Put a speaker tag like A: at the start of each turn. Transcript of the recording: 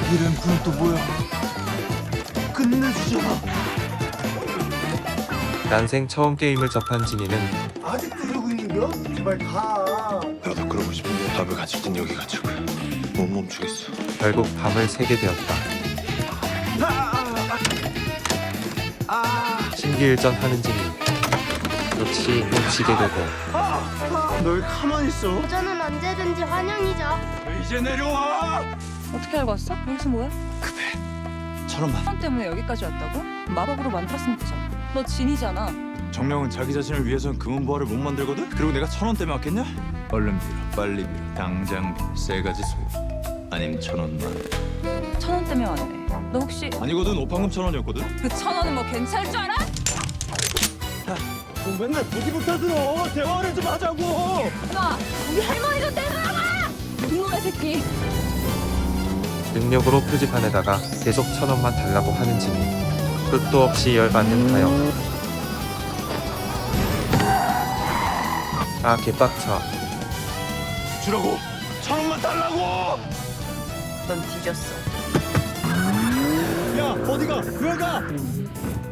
A: 이 램프는 또 뭐야? 끝내주잖아.
B: 난생 처음 게임을 접한 진이는
A: 아직도 이러고 있는겨? 제발 가.
C: 나도 그러고 싶은데 밥을 가질 땐 여기 가지고 못 멈추겠어.
B: 결국 밤을 새게 되었다. 신기일전하는 진이 역시 훔치게 되고
A: 널 가만히 있어.
D: 도전은 언제든지 환영이죠.
A: 이제 내려와.
E: 어떻게 알고 왔어? 여기서 뭐해?
A: 천원만.
E: 천 때문에 여기까지 왔다고? 마법으로 만들었으면 되잖아. 너 진이잖아.
F: 정령은 자기 자신을 위해선 금은보화를 못 만들거든? 그리고 내가 1,000원 때문에 왔겠냐? 얼른 빌어, 빨리 빌어. 당장 빌어. 세 가지 소요. 아님 1,000원만.
E: 1,000원 때문에 왔네. 너 혹시
F: 아니거든, 오판금 1,000원이었거든?
E: 그 1,000원은 뭐 괜찮을 줄 알아?
A: 너 맨날 보기부터 들어. 대화를 좀 하자고.
E: 너 우리 할머니 좀 데려가라! 이놈의 새끼.
B: 능력으로 표지판에다가 계속 1,000원만 달라고 하는 진이 끝도 없이 열받는 하영. 아 개빡쳐.
A: 주라고. 1,000원만 달라고.
E: 넌 뒤졌어.
A: 야 어디가? 왜 가?